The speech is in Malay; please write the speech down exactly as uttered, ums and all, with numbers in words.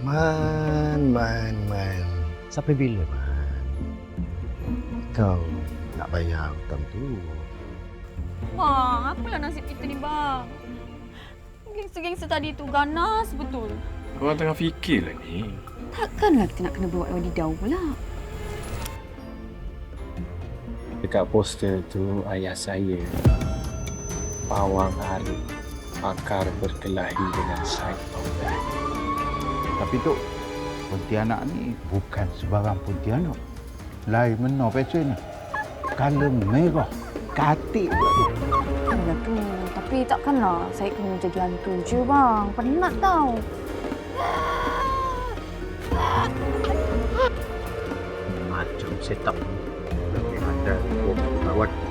Man, Man, Man. Sampai bila, Man? Kau nak bayar hutang tu. Bang, apalah nasib kita ni, bang? Gangster-gangster tadi tu ganas betul. Abang tengah fikir lah ni. Takkanlah kita nak kena bawa wadidau pula. Dekat poster tu ayah saya, Pawang Hari, pakar berkelahi dengan Syed Paudan. Tapi Tok, Pontianak ni bukan sebarang Pontianak. Lain menor pesennya. Kala merah, katik pula tu. Yalah tu, tapi takkanlah saya kena jadi hantu je, bang. Penat tau. Macam setup lebih ada dua puluh kawan.